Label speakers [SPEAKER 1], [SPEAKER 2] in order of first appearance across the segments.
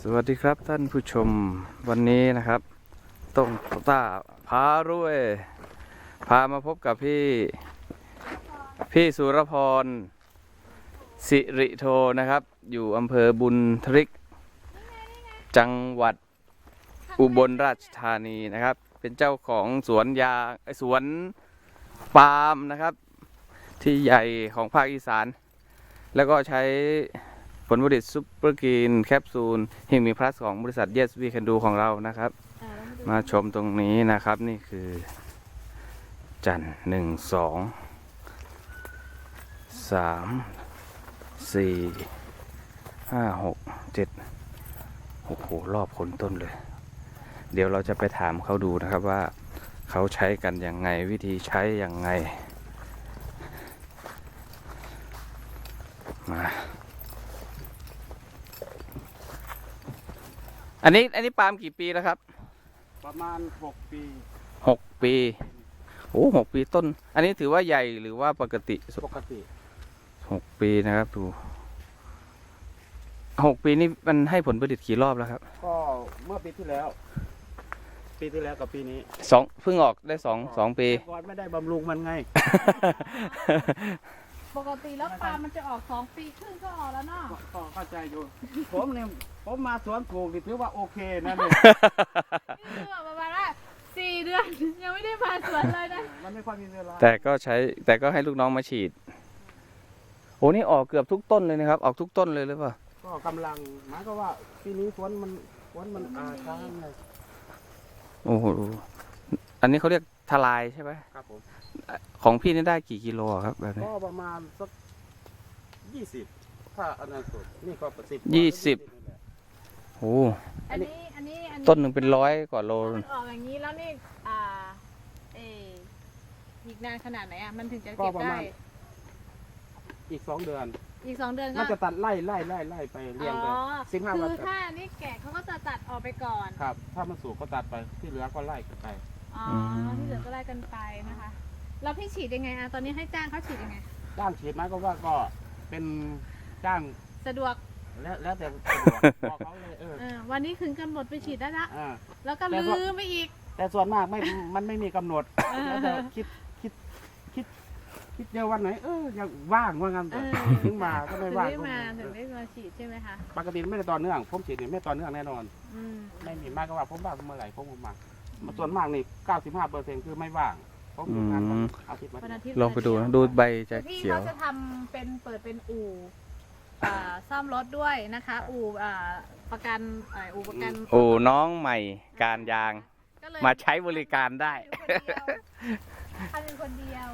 [SPEAKER 1] สวัสดีครับท่านผู้ชมวันนี้นะครับต้องต้าพารวยพามาพบกับพี่สุรพรสิริโทนะครับอยู่อำเภอบุญทริกจังหวัดอุบลราชธานีนะครับเป็นเจ้าของสวนสวนปาล์มนะครับที่ใหญ่ของภาคอีสานแล้วก็ใช้ผลผลิตซุปเปอร์กรีนแคปซูลฮิมีพลัสของบริษัท Yes We Can Do ของเรานะครับมาชมตรงนี้นะครับนี่คือจันทร์1 2 3 4 5 6 7โอ้โหรอบคนต้นเลยเดี๋ยวเราจะไปถามเขาดูนะครับว่าเขาใช้กันยังไงวิธีใช้ยังไงมาอันนี้ปาล์มกี่ปีแล้วครับ
[SPEAKER 2] ประมาณ6 ปี
[SPEAKER 1] 6 ปีโอ้6 ปีต้นอันนี้ถือว่าใหญ่หรือว่าปกติ6 ปีนะครับดู6 ปีนี่มันให้ผลผลิตกี่รอบแล้วครับ
[SPEAKER 2] ก็เมื่อปีที่แล้วกับปีนี้
[SPEAKER 1] เพิ่งออกได้2 ปี
[SPEAKER 2] ก่อนไม่ได้บำรุงมันไง
[SPEAKER 3] ปกติแล้วปลามันจะออก2 ปีครึ่งก็ออกแล้วเนาะ
[SPEAKER 2] ก็เข้าใจอยู่ผมมาสวนปลูกถือว่าโอเคนะเนี่ย
[SPEAKER 3] นี่คือประมาณว่า4 เดือนยังไม่ได้มาสวนเลยนะ
[SPEAKER 2] มันไม่ค่อยมีเวลา
[SPEAKER 1] แต่ก็ให้ลูกน้องมาฉีดโอ้นี่ออกเกือบทุกต้นเลยนะครับออกทุกต้นเลยหรือเปล่า
[SPEAKER 2] ก็กำลังหมายก็ว่าปีนี้สวนมันช้าเลย
[SPEAKER 1] โอ้โหอันนี้เขาเรียกทลายใช่ไหม
[SPEAKER 2] ครับผม
[SPEAKER 1] ของพี่นี่ได้กี่กิโลครับแบบนี้
[SPEAKER 2] ก็ประมาณสัก20ถ้าอันนั้นสุดนี่ก็
[SPEAKER 1] 20โอ้
[SPEAKER 3] อันนี้
[SPEAKER 1] ต้นหนึ่งเป็น100 กว่าโล
[SPEAKER 3] มันออกอย่างนี้แล้วนี่อีกนานขนาดไหนอ่ะมันถึงจะเก็บได้
[SPEAKER 2] อีก2 เดือน
[SPEAKER 3] อีก2 เดือนก็
[SPEAKER 2] มันจะตัดไล่ไปเรียงไป15 วัน
[SPEAKER 3] คือถ้านี่แกะเขาก็จะตัดออกไปก่อน
[SPEAKER 2] ครับถ้ามันสุกก็ตัดไปที่เหลือก็ไล่กันไป
[SPEAKER 3] อ๋อที่เหลือก็ไล่กันไปนะคะแล้วพี่ฉีดยังไงตอนนี้ให้จ้างเขาฉีดยังไง
[SPEAKER 2] จ้างฉีดไหมก็ว่าก็เป็นจ้าง
[SPEAKER 3] สะดวก
[SPEAKER 2] แล้วแต่บอกเขาเลย
[SPEAKER 3] วันนี้ถึงกำหนดไปฉีดได้ละแล้วก็ลืมไปอีก
[SPEAKER 2] แต่ส่วนมากมันไม่มีกำหนดแล้วแต่คิดเดียววันไหนยังว่างว่างั้นถึงมาก็ไม่ว่าง
[SPEAKER 3] ถึงได้มาฉีดใช่ไหมคะ
[SPEAKER 2] ปกติไม่ได้ต่อเนื่องผมฉีดไม่ต่อเนื่องแน่นอนไม่มีมากก็ว่าผมว่างเมื่อไหร่ผมมาส่วนมากนี่95%คือไม่ว่างผมทำงานอาทิตย์
[SPEAKER 1] ลองไปดูนะดูใบจะเขียว
[SPEAKER 3] พี่เขาจะทำเปิดเป็นอู่ซ่อมรถด้วยนะคะอู่ประกัน
[SPEAKER 1] อู่น้องใหม่การยางมาใช้บริการได้
[SPEAKER 3] ทำเป็นคนเดียว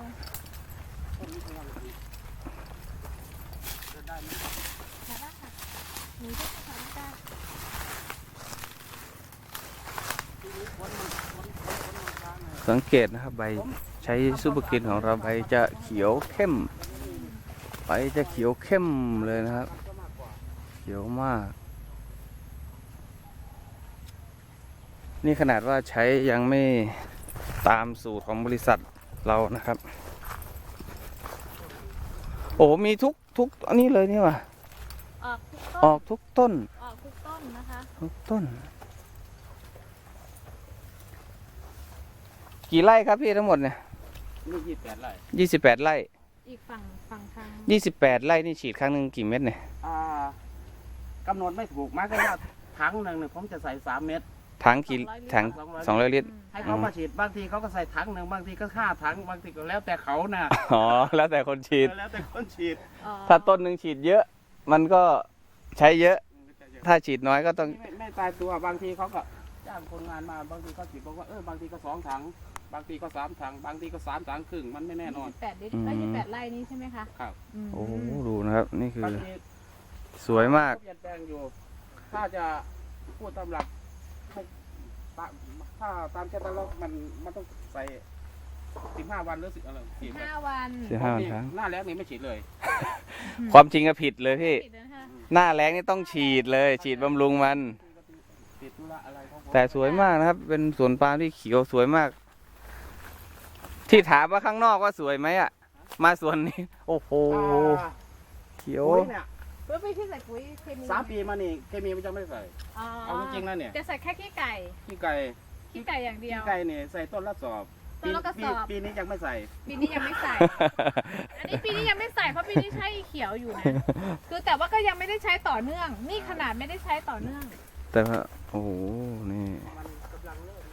[SPEAKER 1] สังเกตนะครับใบใช้ซูเปอร์กรีนของเราใบจะเขียวเข้มเลยนะครับเขียวมากนี่ขนาดว่าใช้ยังไม่ตามสูตรของบริษัทเรานะครับโอ้มีทุกอันนี้เลยนี่ว่ะออกทุกต้น
[SPEAKER 3] นะคะ
[SPEAKER 1] ทุกต้นกี่ไร่ครับพี่ทั้งหมดเนี่ย
[SPEAKER 2] 28 ไร่
[SPEAKER 1] 28 ไร่
[SPEAKER 3] อีกฝั่งทาง
[SPEAKER 1] 28 ไร่นี่ฉีดครั้งหนึ่งกี่เม็ดเนี่ย
[SPEAKER 2] กำหนดไม่ถูกมากก็ว่าถังหนึ่งผมจะใส่3 เม็ด
[SPEAKER 1] ถัง200 ลิตร
[SPEAKER 2] ให้เขามาฉีดบางทีเขาก็ใส่ถังหนึ่งบางทีก็5 ถังบางทีก็แล้วแต่เขานะ
[SPEAKER 1] อ๋อแล้วแต่คนฉีด
[SPEAKER 3] ถ้า
[SPEAKER 1] ต้นหนึ่งฉีดเยอะมันก็ใช้เยอะถ้าฉีดน้อยก็ต้อง
[SPEAKER 2] ไม่ตายตัวบางทีเขาก็จ้างคนงานมาบางทีเขาฉีดบอกว่าบางทีก็2 ถังบางทีก็3 ถังบางทีก็3 ถังครึ่งมันไม่แน่นอน
[SPEAKER 3] 28 ลิตร28 ไร่นี้ใช่ไหมคะ
[SPEAKER 2] ครับ
[SPEAKER 1] โอ้ดูนะครับนี่คือสวยมาก
[SPEAKER 2] เปลี่ยนแปลงอยู่ถ้าจะพูดตามหลักถ้าตามแคตตาล็อกมันต้องใส่15 วันหรือ
[SPEAKER 3] 15 วัน
[SPEAKER 1] ครับ
[SPEAKER 2] หน้าแล้งนี่ไม่ฉีดเลย
[SPEAKER 1] ความจริงก็ผิดเลยพี่หน้าแล้งนี่ต้องฉีดเลยฉีดบำรุงมันแต่สวยมากนะครับเป็นสวนปาล์มที่เขียวสวยมากที่ถามว่าข้างนอกว่าสวยไหมอ่ะมาสวนนี้โอ้โหเขียว
[SPEAKER 3] เพื่อไปที่ใส่ปุ๋ยเคมี
[SPEAKER 2] 3 ปีมานี่เคมีมันจะไม่ใส่
[SPEAKER 3] อ๋อ
[SPEAKER 2] เอาจริงๆแล้วเนี่ย
[SPEAKER 3] จะใส่แค่ขี้ไก่
[SPEAKER 2] ขี้ไก่
[SPEAKER 3] ขี้ไก่อย่างเดียว
[SPEAKER 2] ขี้ไก่เนี่ยใส่ต้นละสอบ
[SPEAKER 3] ต้นละกระสอบ
[SPEAKER 2] ปีนี้ยังไม่ใส่
[SPEAKER 3] ปีนี้ยังไม่ใส่ อันนี้ปีนี้ยังไม่ใส่เพราะปีนี้ใช้เขียวอยู่นะ คือแต่ว่าก็ยังไม่ได้ใช้ต่อเนื่อง นี่ขนาดไม่ได้ใช้ต่อเนื่อง
[SPEAKER 1] แต่ว่าโอ้โหนี่
[SPEAKER 2] มันกำลังเริ่ม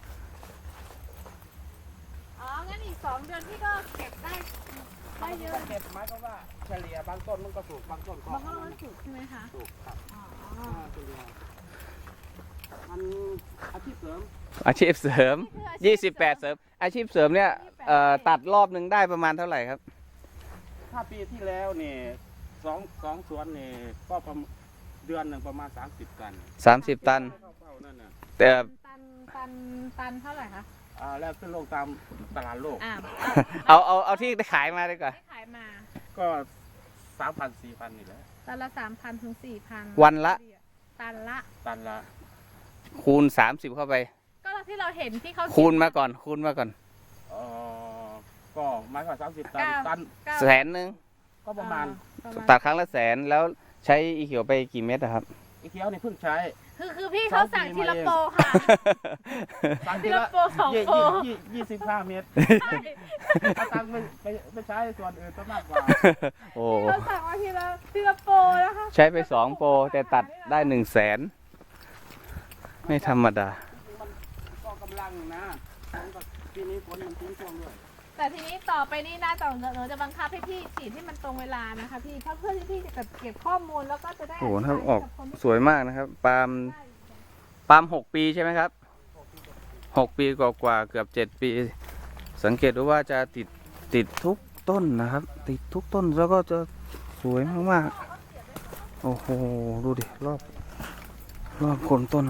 [SPEAKER 3] อ๋อ งั้นอีก2 เดือนพี่ก็เก็บได้เยอะ
[SPEAKER 2] เก็บหมายก็ว่าเฉลี่ยบางต้นมันก็สูงบางต้นก็
[SPEAKER 3] บางคนมันสุกใช่ไหมคะ
[SPEAKER 2] สูงครับ
[SPEAKER 3] อ๋อ
[SPEAKER 2] เฉลี่ยมันอาชีพเสริม
[SPEAKER 1] อาชีพเสริม 28 เสริม อาชีพเสริมเนี่ยตัดรอบหนึ่งได้ประมาณเท่าไหร่ครับ
[SPEAKER 2] ถ้าปีที่แล้วนี่สองสวนนี่ก็ประมาณเดือนหนึ่งประมาณ30 ตัน
[SPEAKER 1] 30 ตัน
[SPEAKER 2] เข้าเป้านั่นน่ะ
[SPEAKER 1] แต่
[SPEAKER 3] ตันเท่าไหร่คะ
[SPEAKER 2] แล้วขึ้นลงตามตลาดโลก
[SPEAKER 1] เอาที่ได้ขายมาดีกว่า
[SPEAKER 3] ได้ขายมา
[SPEAKER 2] ก็ 3,000 4,000นี่แหละ
[SPEAKER 3] ตันละ 3,000 ถึง 4,000
[SPEAKER 1] วันละ
[SPEAKER 3] ตันละ
[SPEAKER 2] ตันละ
[SPEAKER 1] คูณ 30 เข้าไป
[SPEAKER 3] ก็ที่เราเห็นที่เขา
[SPEAKER 1] คูณมาก่อน คูณมาก่อน
[SPEAKER 2] ก็หมายความ30 ตันตัน
[SPEAKER 1] แสนหนึ่ง
[SPEAKER 2] ก็ประมาณ
[SPEAKER 1] ตัดครั้งละแสนแล้วใช้อีเขียวไปกี่เม็ดอะครับ
[SPEAKER 2] อีเขียวนี่เพิ่งใช้
[SPEAKER 3] คือพี่เขาสั่งทีละโปรค่ะ
[SPEAKER 2] สั่ง
[SPEAKER 3] ทีละโปร2 โปร
[SPEAKER 2] 25 เมตรถ้าตังค์ไม่ใช้ส่วนอื่นก็มากกว่า
[SPEAKER 1] โอ้
[SPEAKER 3] พี่เขาสั่งมาทีละโปรนะคะ
[SPEAKER 1] ใช้ไป2 โปร แต่ตัดได้ 1 แสน ไม่ธรรมดา
[SPEAKER 2] มันก็กำลังนะปีนี้ฝนมันทิ้งช่วงด้วย
[SPEAKER 3] แต่ทีนี้ต่อไปนี่นะหนูจะบังคับให้พี่ฉีดที่มันตรงเวลานะคะพี่เพื่อที่พี่จะเก็บข้อมูลแล้วก็จะได้
[SPEAKER 1] โอ้โหถ้าออก
[SPEAKER 3] บคนที่
[SPEAKER 1] สวยมากนะครับ ปาล์ม6 ปีใช่ไหมครับ 6 ปีกว่าๆเกือบ 7 ปี สังเกตดูว่าจะติดทุกต้นนะครับ ติดทุกต้นแล้วก็จะสวยมากๆ โอ้โห ดูดิ รอบโคนต้น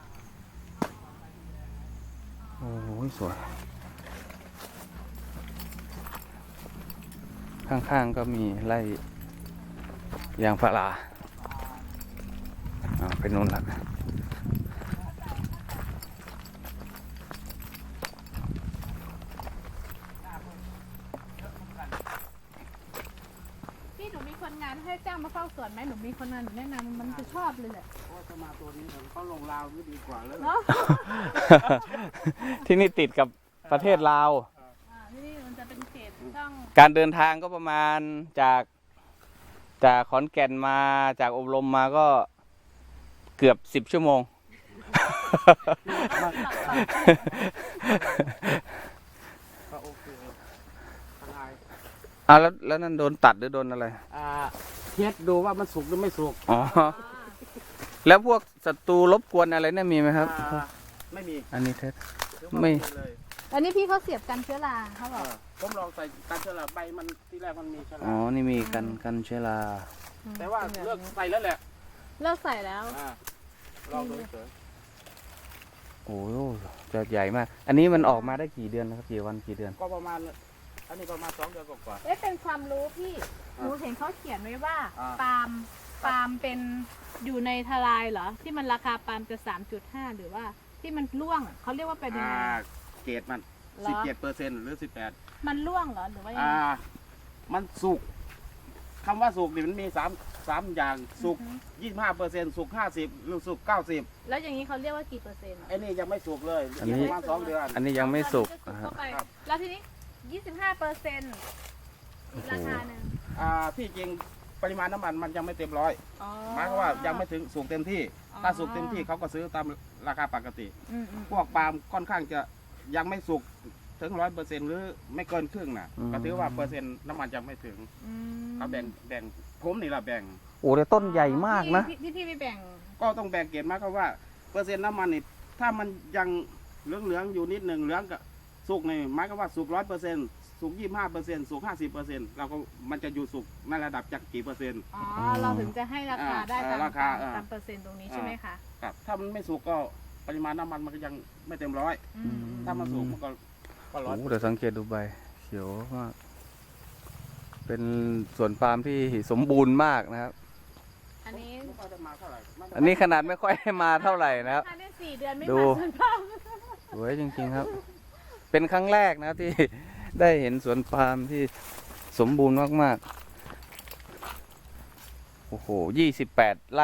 [SPEAKER 1] โอ้โหสวย ข้างๆก็มีไร่ยางพาราไปนู่นละ
[SPEAKER 3] พี่หนูมีคนงานให้จ้างมาเฝ้าสวนไหมหนูมีคนงานหนูแนะนำมันจะชอบเลยแหละ
[SPEAKER 2] เพราะว่าถ้ามาตัวนี้เขาลงราวนี่ดีกว่าเลย
[SPEAKER 3] เนาะ
[SPEAKER 1] ที่นี่ติดกับประเทศลาว
[SPEAKER 3] ที่นี่มันจะเป็นเขตต้อง
[SPEAKER 1] การเดินทางก็ประมาณจากขอนแก่นมาจากอบรมมาก็เกือบ10 ชั่วโมง
[SPEAKER 2] ก็โอเคทนาย
[SPEAKER 1] แล้วนั่นโดนตัดหรือโดนอะไร
[SPEAKER 2] เทสดูว่ามันสุกหรือไม่สุก
[SPEAKER 1] อ๋อ แล้วพวกศัตรูรบกวนอะไรเนี่ยมีไหมครับ
[SPEAKER 2] ไม่มี
[SPEAKER 1] อันนี้เท็จ
[SPEAKER 2] ถือว่า
[SPEAKER 1] ไม่
[SPEAKER 2] เลย
[SPEAKER 3] อันนี้พี่เขาเสียบกันเชื้อราเขาบอก
[SPEAKER 2] ผมลองใส่การเชื้อราใบมันที่แรกมันมีเชื้อ
[SPEAKER 1] อ๋อ
[SPEAKER 2] รา
[SPEAKER 1] นี่มีกันเชื้อรา
[SPEAKER 2] แต่ว่าเลิกใส่แล้วแหละ
[SPEAKER 3] เลิกใส่แล้ว
[SPEAKER 2] ลองดูเฉย
[SPEAKER 1] โอ้โหจะใหญ่มาก อันนี้มันออกมาได้กี่เดือนนะครับ กี่วันกี่เดือน
[SPEAKER 2] ก็ประมาณ อันนี้ประมาณ2 เดือนกว่า
[SPEAKER 3] เอ๊ะเป็นความรู้พี่หนูเห็นเขาเขียนไว้ว่า
[SPEAKER 2] อ่า
[SPEAKER 3] ปาล์มเป็นอยู่ในทลายเหรอที่มันราคาปาล์มจะ 3.5 หรือว่าที่มันร่วงอะเขาเรียกว่าเป็นยังไง
[SPEAKER 2] เกรดมัน
[SPEAKER 3] เหรอ
[SPEAKER 2] 17%หรือ 18
[SPEAKER 3] มันร่วงเหรอหรือว่ายังไง
[SPEAKER 2] มันสุกคำว่าสุกนี่มันมี3อย่างสุก 25%สุก 50 หรือสุก 90
[SPEAKER 3] แล้วอย่างนี้เขาเรียกว่ากี่เปอร์เซ็นต์อะ
[SPEAKER 2] ไอ้นี่ยังไม่สุกเลย
[SPEAKER 1] อันนี้
[SPEAKER 2] อีกประมาณ2 เดือน
[SPEAKER 1] อันนี้ยังไม่สุก
[SPEAKER 3] ตอน
[SPEAKER 1] นะ
[SPEAKER 3] นี้
[SPEAKER 1] ค
[SPEAKER 3] ก็
[SPEAKER 1] รับ
[SPEAKER 3] สุกเข้าไปแล้วทีนี้ 25%อีกราคาหนึ่ง
[SPEAKER 2] ที่จริงปริมาณน้ำมันมันยังไม่เต็มร้อย
[SPEAKER 3] อ๋อ
[SPEAKER 2] หมายความว่ายังไม่ถึงสุกเต็มที่
[SPEAKER 3] อ๋อ
[SPEAKER 2] ถ้าสุกเต็มที่เขาก็ซื้อตามราคาปกติ
[SPEAKER 3] อืม
[SPEAKER 2] พวกปาล์มค่อนข้างจะยังไม่สุกถึง100%หรือไม่เกินครึ่งน่ะ
[SPEAKER 1] อืม
[SPEAKER 2] ก็ถือว่าเปอร์เซ็นต์น้ำมันยังไม่ถึง
[SPEAKER 3] อืม
[SPEAKER 2] เขาแบ่งผมนี่แหละแบ่ง
[SPEAKER 1] โอ้แต่ต้นใหญ่มากนะ
[SPEAKER 3] พี่ไปแบ่ง
[SPEAKER 2] ก็ต้องแบ่งเกณฑ์มาครับว่าเปอร์เซ็นต์น้ำมันนี่ถ้ามันยังเหลืองๆอยู่นิดหนึ่งเหลืองกับสุกนี่หมายความว่าสุก100%สุก25%สุก50%เราก็มันจะอยู่สุกในระดับจากกี่เปอร์เซ็นต์
[SPEAKER 3] อ๋อเราถึงจะให้ราคาได้ตาม
[SPEAKER 2] ราคา
[SPEAKER 3] ตามเปอร์เซ็นต์ตรงนี้ใช่ไหมคะ
[SPEAKER 2] ครับถ้ามันไม่สุกก็ปริมาณน้ำมันมันก็ยังไม่เต็มร้อย
[SPEAKER 3] อืม
[SPEAKER 2] ถ้ามันสุกมันก็ร้อย
[SPEAKER 1] โอ้แต่สังเกตดูใบเขียวมาก เป็นสวนปาล์มที่สมบูรณ์มากนะครับ
[SPEAKER 3] อันนี้
[SPEAKER 2] ไม่ค่อยได้มาเท่าไหร่
[SPEAKER 1] อันนี้ขนาดไม่ค่อยให้มาเท่าไหร่นะครับ
[SPEAKER 3] ภายใน4 เดือนไม่
[SPEAKER 1] ดู
[SPEAKER 3] มาสวนปาล์ม
[SPEAKER 1] สวยจริงๆครับ เป็นครั้งแรกนะครับที่ ได้เห็นสวนปาล์มที่สมบูรณ์มากๆ โอ้อ้โห28 ไร่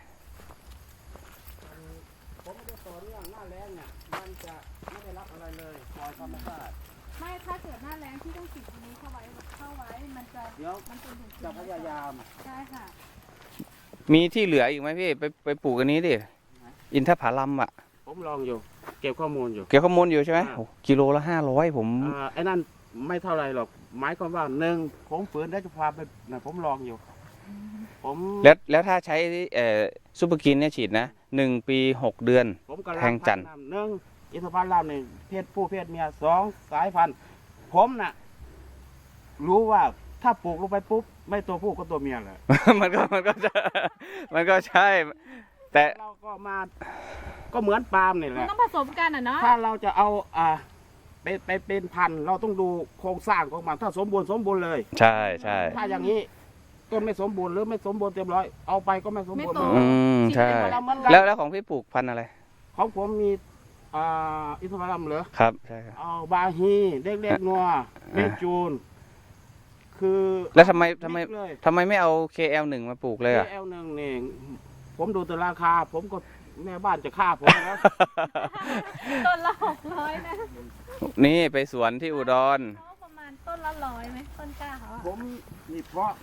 [SPEAKER 2] ผมไม่ได้ต่อเนื่องหน้าแล้งเนี่ยมันจะไม่ได้รับอะไรเลยปล่อยธรรมชาติ
[SPEAKER 3] ไม่ถ้าเกิดหน้าแรงที่ต้องติดอันนี้เข้าไว้มันจะ
[SPEAKER 2] เดี๋ยว
[SPEAKER 3] มันจะอยู่
[SPEAKER 2] จะพยายาม
[SPEAKER 3] ใช่ค่ะ
[SPEAKER 1] มีที่เหลืออีกไหมพี่ไปปลูกอันนี้ดิอินทผลัมอ่ะ
[SPEAKER 2] ผมลองอยู่ เก็บข้อมูลอยู่
[SPEAKER 1] เกี่ยวข้อมูลอยู่ใช่ไหม
[SPEAKER 2] อ่า
[SPEAKER 1] โอ้กิโลละ500ผม
[SPEAKER 2] ไอ้นั่นไม่เท่าไรหรอกหมายความว่าหนึ่งผมฝืนได้จะพาไปนะผมลองอยู่ ผม
[SPEAKER 1] แล้วถ้าใช้ซูเปอร์กินเนี่ยฉีดนะ1 ปี 6 เดือน
[SPEAKER 2] ผมกำลัง
[SPEAKER 1] แทงจันทร์
[SPEAKER 2] พัฒาหนึ่งอินทผลัมนี่เพศผู้เพศเมีย2 สายพันธุ์ผมน่ะ รู้ว่าถ้าปลูกลงไปปุ๊บไม่ตัวผู้ก็ตัวเมียแหละ
[SPEAKER 1] มันก็จะมันก็ใช่ แต่
[SPEAKER 2] เราก็มาก็เหมือนปาล์มนี่แห
[SPEAKER 3] มัน
[SPEAKER 2] ละ
[SPEAKER 3] ต้องผสมกันอ่ะเนาะ
[SPEAKER 2] ถ้าเราจะเอาไปเป็นพันธุ์เราต้องดูโครงสร้างของมันถ้าสมบูรณ์เลย
[SPEAKER 1] ใช่ใช่
[SPEAKER 2] ถ้าอย่างนี้ต้นไม่สมบูรณ์หรือไม่สมบูรณ์เต็มร้อยเอาไปก็ไม่สมบูรณ์
[SPEAKER 1] อืมใช่ แล้วของพี่ปลูกพันธุ์อะไร
[SPEAKER 2] ของผมมีอินทผลัมเหรอ
[SPEAKER 1] ครับใช่ครับ
[SPEAKER 2] เอาบาฮีเล็กๆนัวเมจูน คือ
[SPEAKER 1] แล้วทำไม
[SPEAKER 2] เลย
[SPEAKER 1] ทำไมไม่เอา KL1 มาปลูกเลยอ่ะ
[SPEAKER 2] KL1นี่ผมดูแต่ราคา ผมก็แม่บ้านจะฆ่าผมนะ
[SPEAKER 3] ต้นละ600นะ
[SPEAKER 1] นี่ไปสวนที่อุดร
[SPEAKER 3] เขาประมาณต้นละ100ไหมต้นกล้าเขาอะ
[SPEAKER 2] ผมนี่เพาะ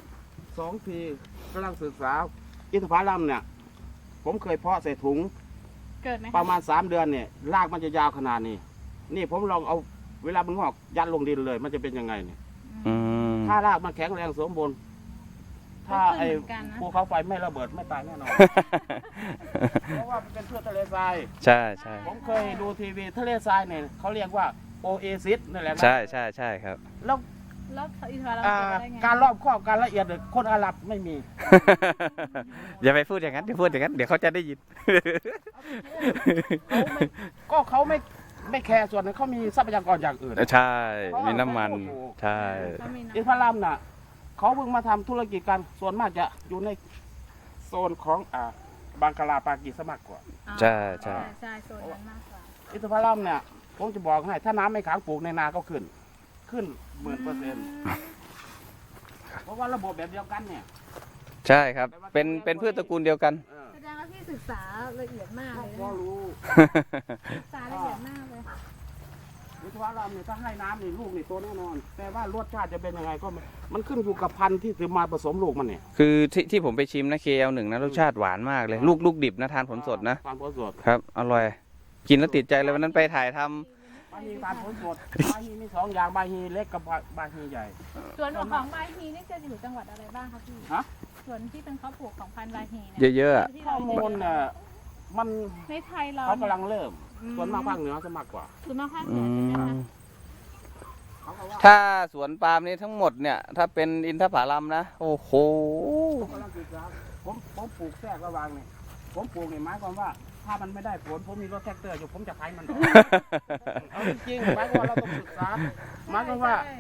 [SPEAKER 2] 2 ทีกำลังศึกษาอินทผลัมเนี่ย ผมเคยเพาะใส่ถุง
[SPEAKER 3] เกิดไหม
[SPEAKER 2] ประมาณ3 เดือนเนี่ยรากมันจะยาวขนาดนี้ นี่ผมลองเอาเวลามันงอกยัดลงดินเลย มันจะเป็นยังไงเนี่ย
[SPEAKER 1] อืม
[SPEAKER 2] ถ้ารากมันแข็งแรงสมบูรณ์ถ้าไอ้
[SPEAKER 3] ก็ขึ้นเหมือนกันนะ
[SPEAKER 2] ภูเขาไฟไม่ระเบิดไม่ตายแน่นอน เพราะว่ามันเป็นพืชทะเลทราย
[SPEAKER 1] ใช่ใช่
[SPEAKER 2] ผมเคยดูทีวีทะเลทรายเนี่ยเขาเรียกว่าโอเอซิสนั่นแหละนะ
[SPEAKER 1] ใช่ใช่ใช่ครับ
[SPEAKER 2] แล้ว
[SPEAKER 3] แล้วอินทผลัม
[SPEAKER 2] อ่า
[SPEAKER 3] เกิดได้ไง
[SPEAKER 2] การรอบครอบการละเอียดเนี่ยคนอาหรับไม่มี
[SPEAKER 1] อย่าไปพูดอย่างนั้นอย่าพูดอย่างนั้น เดี๋ยวเขาจะได้ยิน
[SPEAKER 2] เขาไม่แคร์ส่วนนั้นเขามีทรัพยากรอย่างอื่น
[SPEAKER 1] ใช่ มีน้ำมัน ใช่
[SPEAKER 3] เขามี
[SPEAKER 2] อิน
[SPEAKER 3] น้ำ
[SPEAKER 2] ทผลัมน่ะเขาเพิ่งมาทำธุรกิจกันส่วนมากจะอยู่ในโซนของบังกลาปากีสมากกว่า
[SPEAKER 1] ใช่ใช่
[SPEAKER 3] ใช่โซนนั้นมากกว่า
[SPEAKER 2] อินทผลัมเนี่ยผมจะบอกให้ถ้าน้ำไม่ขังปลูกในนาก็ขึ้น 10,000%เพราะว่าระบบแบบเดียวกันเนี่ย
[SPEAKER 1] ใช่ครับ เป็นพืชตระกูลเดียวกัน
[SPEAKER 3] แสดงว่าพี่ศึกษาละเอียดมากเลย
[SPEAKER 2] ก็
[SPEAKER 3] นะ
[SPEAKER 2] รู้
[SPEAKER 3] ศึกษาละเอียดมากเลย
[SPEAKER 2] อินทผลัมเนี่ยถ้าให้น้ำนี่ลูกนี่โตแน่นอน แต่ว่ารสชาติจะเป็นยังไงก็ไม่มันขึ้นอยู่กับพันธุ์ที่ซื้อมาผสมลูกมันเนี่ย
[SPEAKER 1] คือที่ผมไปชิมนะ KL1 นะรสชาติหวานมากเลย ลูกดิบนะทานผลสดนะ
[SPEAKER 2] ทานผลสด
[SPEAKER 1] ครับ อร่อย กินแล้วติดใจเลยวันนั้นไปถ่ายทำ
[SPEAKER 2] บาฮีทานผลสดบาฮีมี2 อย่างบาฮีเล็กกับบาฮีใหญ่
[SPEAKER 3] ส่วนของบาฮีนี่จะอยู่จังหวัดอะไรบ้างคะพี่
[SPEAKER 2] ฮะ
[SPEAKER 3] ส่วนที่เป็นข้าวปลูกของพันธุ์บาฮีเนี่ย
[SPEAKER 1] เยอะๆอะ
[SPEAKER 3] ที่
[SPEAKER 2] ข้อ
[SPEAKER 3] เรา
[SPEAKER 2] มูลเนี่ยมัน
[SPEAKER 3] ในไทยเรา
[SPEAKER 2] เขากำลังเริ่ม ส่วนมากภาคเหนือจะมากกว่า
[SPEAKER 3] ส่วนมากภาคเห
[SPEAKER 1] อื
[SPEAKER 3] นือใช่ไหมคะ
[SPEAKER 1] ม
[SPEAKER 2] เขาก็ว่า
[SPEAKER 1] ถ้าสวนปาล์มนี้ทั้งหมดเนี่ย ถ้าเป็นอินทผลัมนะ โอ้โห
[SPEAKER 2] ผมกำลังศึกษาผมปลูกแทรกระหว่างนี่ผมปลูกนี่หมายความว่า ถ้ามันไม่ได้ผลผมมีรถแท็กเตอร์อยู่ผมจะขายมันออกเอาจริงๆหมายความว่าเราต้องศึกษาหมายความว่า
[SPEAKER 3] ใช่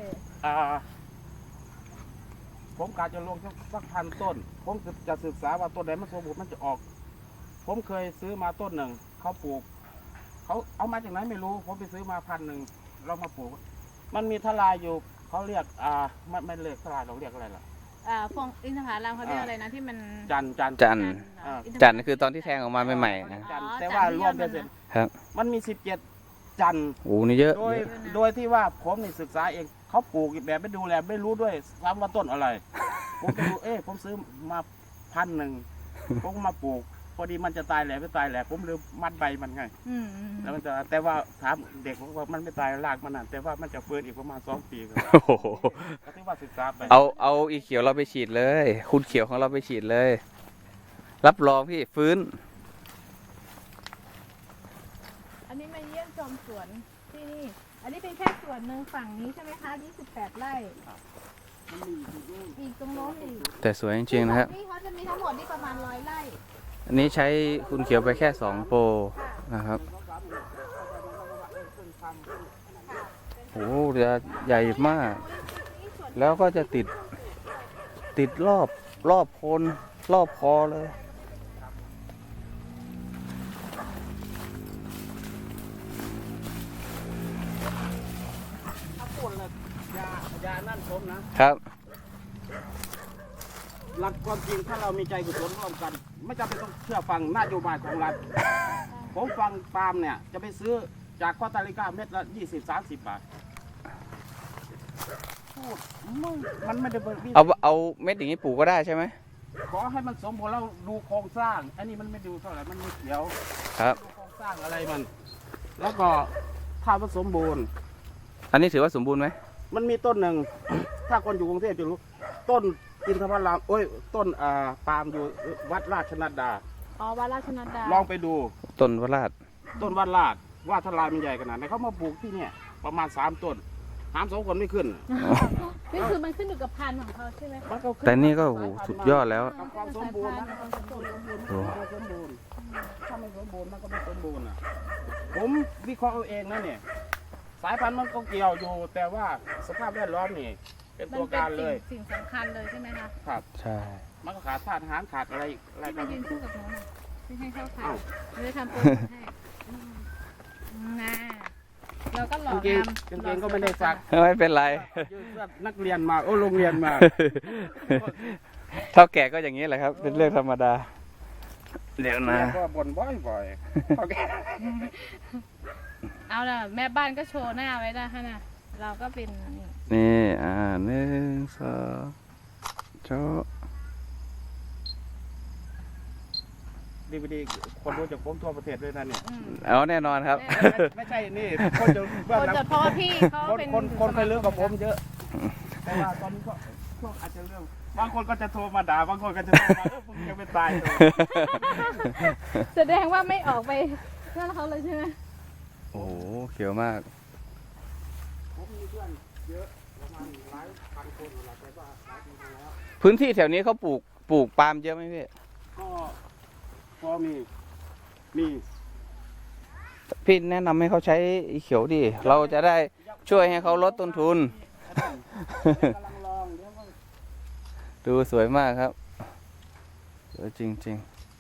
[SPEAKER 2] ผมกะจะลงสัก1,000 ต้น ผมจะศึกษาว่าต้นไหนมันสมบูรณ์มันจะออก ผมเคยซื้อมาต้นหนึ่งเขาปลูกเขาเอามาจากไหนไม่รู้ ผมไปซื้อมา1,000เรามาปลูก มันมีทลายอยู่เขาเรียกไม่เรียกทลายเราเรียกอะไรล่ะ
[SPEAKER 3] พวงอินทผลัมเขาเรียกอะไรนะที่มัน
[SPEAKER 2] จัน
[SPEAKER 1] จัน
[SPEAKER 3] เหรอ
[SPEAKER 2] อิ
[SPEAKER 3] ทผลัม
[SPEAKER 1] จันทร์คือตอนที่แทงออกมาใหม่ๆนะ
[SPEAKER 2] จัน
[SPEAKER 3] อ๋อ
[SPEAKER 2] แต่ว่า
[SPEAKER 3] จันทร์
[SPEAKER 2] รวม
[SPEAKER 3] ที่
[SPEAKER 2] เป็น
[SPEAKER 3] ยอดมันนะ
[SPEAKER 1] ครับ
[SPEAKER 2] มันมี17 จันทร์
[SPEAKER 1] โอ้นี่เยอะ
[SPEAKER 2] โดยที่ว่าผมนี่ศึกษาเองเขาปลูกแบบไม่ดูแลไม่รู้ด้วยซ้ำว่าต้นอะไร ผมไปดูผมซื้อมา1,000ผมก็มาปลูก พอดีมันจะตายแหละไม่ตายแหละผมลืมมัดใบมันไง
[SPEAKER 3] อืม
[SPEAKER 2] แล้วมันจะแต่ว่าถามเด็กผมว่ามันไม่ตายรากมันน่ะแต่ว่ามันจะฟื้นอีกประมาณ2 ปีครับ
[SPEAKER 1] โอ้โห
[SPEAKER 2] ก็ถือว่าศึกษาไป
[SPEAKER 1] เอาอีเขียวเราไปฉีดเลย คุณเขียวของเราไปฉีดเลย รับรองพี่ฟื้น
[SPEAKER 3] อันนี้มาเยี่ยมชมสวนที่นี่ อันนี้เป็นแค่ส่วนหนึ่งฝั่งนี้ใช่ไหมคะ28 ไร่
[SPEAKER 2] มันมีอยู่ที่นู่น
[SPEAKER 3] อีกตรงโน้นอีก
[SPEAKER 1] แต่สวยจริงๆนะครับ
[SPEAKER 3] นี่เขาจะมีทั้งหมดนี่ประมาณ100 ไร่
[SPEAKER 1] อันนี้ใช้คุณเขียวไปแค่2 โปรนะครับ โอ้โหจะใหญ่มาก แล้วก็จะติดรอบโคนรอบคอเลย
[SPEAKER 2] ถ้าพูดเลยยานั่นผมนะครับหลักความจริงถ้าเรามีใจกุศลร่วมกัน ไม่จำเป็นต้องเชื่อฟังนโยบายของรัฐผมฟังปาล์มเนี่ยจะไปซื้อจากคอสตาริกาเม็ดละ20-30 บาทพูดมันไม่ได้เบิก
[SPEAKER 1] เอาเม็ดอย่างนี้ปลูกก็ได้ใช่ไหม
[SPEAKER 2] ขอให้มันสมบูรณ์แล้วดูโครงสร้าง อันนี้มันไม่ดูเท่าไหร่มันไม่เขียว
[SPEAKER 1] ครับ
[SPEAKER 2] ดูโครงสร้างอะไรมัน แล้วก็ถ้ามันสมบูรณ์
[SPEAKER 1] อันนี้ถือว่าสมบูรณ์ไหม
[SPEAKER 2] มันมีต้นหนึ่ง ถ้าคนอยู่กรุงเทพจะรู้ ต้นอินทผลัมโอ้ย ต้นปาล์มอยู่วัดราชนัดดา
[SPEAKER 3] อ๋อวัดราชนัดดา
[SPEAKER 2] ลองไปดู
[SPEAKER 1] ต้นวราด
[SPEAKER 2] ต้นวัดราชว่าทลายมันใหญ่ขนาดไหนเขามาปลูกที่เนี่ยประมาณ3 ต้นหาม2 คนไม่ขึ้น
[SPEAKER 3] นี่คือมันขึ้นอยู่กับพันธุ์ของเขาใช่ไหมคะ
[SPEAKER 2] มันก็ขึ้
[SPEAKER 1] แต่นี่ก็โอ้โหสุดยอดแล้ว
[SPEAKER 2] กับความสมบูรณ์นะความสมบูรณ์ถ้าไม่สมบูรณ์มันก็ไม่สมบูรณ์อ่ะผมวิเคราะห์เอาเองนะเนี่ยสายพันธุ์มันก็เกี่ยวอยู่ แต่ว่าสภาพแวดล้อมนี่เป็น
[SPEAKER 3] มัน
[SPEAKER 2] ตัว
[SPEAKER 3] เป็น
[SPEAKER 2] การเลย
[SPEAKER 3] สิ่งสำคัญเลยใช่ไหมคะ
[SPEAKER 2] ครับ
[SPEAKER 1] ใช่
[SPEAKER 2] มันก็ขาดธาตุอาหารขาดอะไรอะไร
[SPEAKER 3] ที่
[SPEAKER 2] กั
[SPEAKER 3] มาน ยืนคู่กับน้องน่ะที่ให้เข้าทาง
[SPEAKER 2] อ้าว
[SPEAKER 3] ไม่ได้ทำโปรโมทให้นะเราก็หล่อก
[SPEAKER 2] างเกง
[SPEAKER 3] งาม
[SPEAKER 2] กางเกงก็ไม่ได้ซัก
[SPEAKER 1] ไม่เป็นไร
[SPEAKER 2] ยืดเสื้อนักเรียนมาโอ้โรงเรียนมา
[SPEAKER 1] เท่าแก่ก็อย่างนี้แหละครับ เป็นเรื่องธรรมดา เดี๋ยวนะ
[SPEAKER 2] แม่ก็บ่นบ่อยๆโอเค
[SPEAKER 3] เอาล่ะแม่บ้านก็โชว์หน้าไว้ได้ค่ะนะเราก็เป็นนี่
[SPEAKER 1] นี่1 2โชว์
[SPEAKER 2] DVD คนรู้จักผมทั่วประเทศด้วยนะเนี่ย
[SPEAKER 3] อืม
[SPEAKER 1] เอาแน่นอนครับ
[SPEAKER 2] ไม่ใช่นี่คนจะเบื้อง
[SPEAKER 3] คน
[SPEAKER 2] หลัง
[SPEAKER 3] จะเพราะว่าพี่เขา
[SPEAKER 2] คน
[SPEAKER 3] เป็น
[SPEAKER 2] คนเคยเรื่องกับผมเยอะ แต่ว่าตอนนี้ก็ช่วงอาจจะเรื่องบางคนก็จะโทรมาด่าบางคนก็จะโทรมามึงจะไปตายเลย
[SPEAKER 3] แสดงว่าไม่ออกไปนั่นเขาเลยใช่ไหม
[SPEAKER 1] โอ้โหเขียวมาก
[SPEAKER 2] ผมมีเพื่อนเยอะประมาณหลายพันคนหลายแต่ว่าหลายปีมาแล้ว
[SPEAKER 1] พื้นที่แถวนี้เขาปลูกปาล์มเยอะไหมพี่
[SPEAKER 2] ก็พอมีมี
[SPEAKER 1] พี่แนะนำให้เขาใช้อีเขียวดิ เราจะได้ช่วยให้เขาลดต้นทุน
[SPEAKER 2] กำลังลองเดี๋ยวก็
[SPEAKER 1] ดูสวยมากครับสวยจริง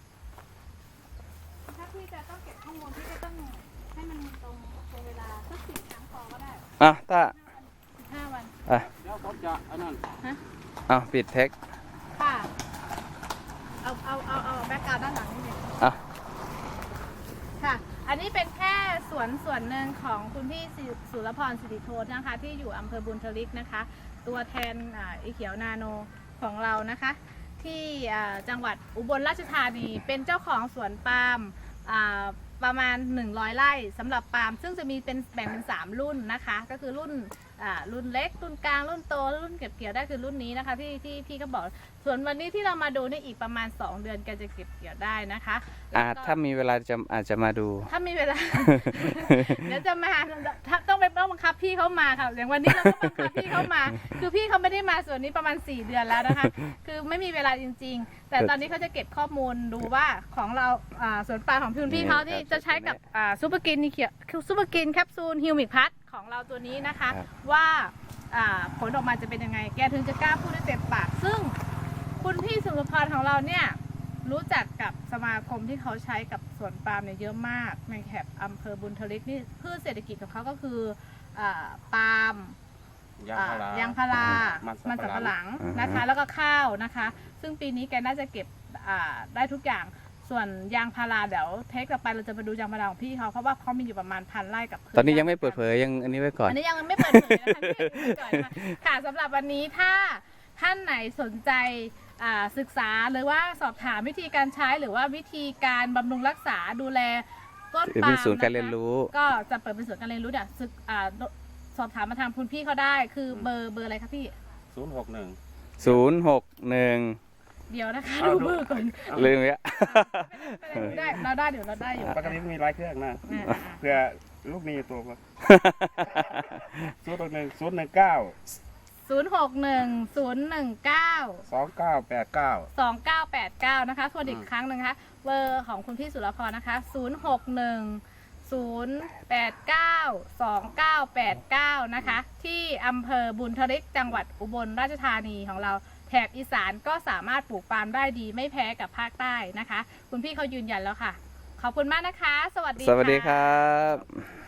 [SPEAKER 3] ถ้าพี่จะต้องเก็บข้อมูลพี่ก็ต้องให้มันตรงเวลาสัก10 ครั้งพอก็ได้
[SPEAKER 1] ๆ อ่ะถ้า
[SPEAKER 3] 15 วัน
[SPEAKER 2] เดี๋ยวผมจะอันนั้น
[SPEAKER 1] อ่ะปิดเทค
[SPEAKER 3] ค่ะ เอาแบ็คกราวด์ด้านหลังนี่เลย
[SPEAKER 1] อ่ะ
[SPEAKER 3] ค่ะ อันนี้เป็นแค่ส่วนหนึ่งของคุณพี่สุรพรสิริโทษนะคะ ที่อยู่อำเภอบุญทลิกนะคะ ตัวแทนอีเขียวนาโนของเรานะคะ ที่จังหวัดอุบลราชธานีเป็นเจ้าของสวนปาล์มประมาณ100 ไร่สำหรับปาล์มซึ่งจะมีเป็นแบ่งเป็น3 รุ่นนะคะ ก็คือรุ่นเล็กรุ่นกลางรุ่นโตรุ่นเก็บเกี่ยวได้คือรุ่นนี้นะคะที่พี่ก็บอกส่วนวันนี้ที่เรามาดูนี่อีกประมาณ2 เดือนแกจะเก็บเกี่ยวได้นะคะแล้วก็
[SPEAKER 1] ถ้ามีเวลาอาจจะมาดู
[SPEAKER 3] ถ้ามีเวลา เดี๋ยวจะมาต้องบังคับพี่เขามาค่ะอย่างวันนี้เราต้องบังคับพี่เขามา คือพี่เขาไม่ได้มาส่วนนี้ประมาณ4 เดือนแล้วนะคะ คือไม่มีเวลาจริง ๆ แต่ตอนนี้เขาจะเก็บข้อมูลดูว่าของเราสวนปลาของพี่เขาที่จะใช้กับซูเปอร์กินนี่เขียวซูเปอร์กินแคปซูลฮิวมิกพัทของเราตัวนี้นะคะ
[SPEAKER 1] ครับ
[SPEAKER 3] ว่าผลออกมาจะเป็นยังไง แกถึงจะกล้าพูดได้เต็มปาก ซึ่งคุณพี่สุรพรของเราเนี่ยรู้จักกับสมาคมที่เขาใช้กับสวนปาล์มเนี่ยเยอะมากในแถบอำเภอบุญทลิกนี่พืชเศรษฐกิจของเขาก็คือปาล์ม ยางพารามันสำปะหลังนะคะ แล้วก็ข้าวนะคะ ซึ่งปีนี้แกน่าจะเก็บได้ทุกอย่าง ส่วนยางพาราเดี๋ยวเทคต่อไปเราจะไปดูยางพาราของพี่เขาเพราะว่าเขามีอยู่ประมาณ1,000 ไร่กับ
[SPEAKER 1] ตอนนี้ยังไม่เปิดเผยยังอันนี้ไว้ก่อน
[SPEAKER 3] อันนี้ยังไม่เปิดเผยนะคะพี่ก่อนนะคะค่ะสำหรับวันนี้ถ้าท่านไหนสนใจศึกษาหรือว่าสอบถามวิธีการใช้หรือว่าวิธีการบำรุงรักษาดูแลต้นปาล์ม
[SPEAKER 1] เป็นศูนย์การเรียนรู้
[SPEAKER 3] ก็จะเปิดเป็นศูนย์การเรียนรู้เนี่ยสอบถามมาทางคุณพี่เขาได้คือเบอร์อะไรคะพี่
[SPEAKER 2] 061
[SPEAKER 3] เดี๋ยวนะคะ
[SPEAKER 2] เอา
[SPEAKER 3] ดู
[SPEAKER 2] ดู
[SPEAKER 3] เบอร์ก่อน
[SPEAKER 1] ลืมแล้ว
[SPEAKER 3] ไม่ได้เราได้เดี๋ยวเราได้อยู่
[SPEAKER 2] ปกติมีหลายเครื่องนะเพื่อลูกนี้ตัวมา061
[SPEAKER 3] 061-019-2989 นะคะทวนอีกครั้งหนึ่งนะคะเบอร์ของคุณพี่สุรพรนะคะ061-089-2989 นะคะที่อำเภอบุญทลิกจังหวัดอุบลราชธานีของเราแถบอีสานก็สามารถปลูกปาล์มได้ดีไม่แพ้กับภาคใต้นะคะ คุณพี่เขายืนยันแล้วค่ะ ขอบคุณมากนะคะ สวัสดี
[SPEAKER 1] สวัสดี
[SPEAKER 3] ค่ะ
[SPEAKER 1] ครับ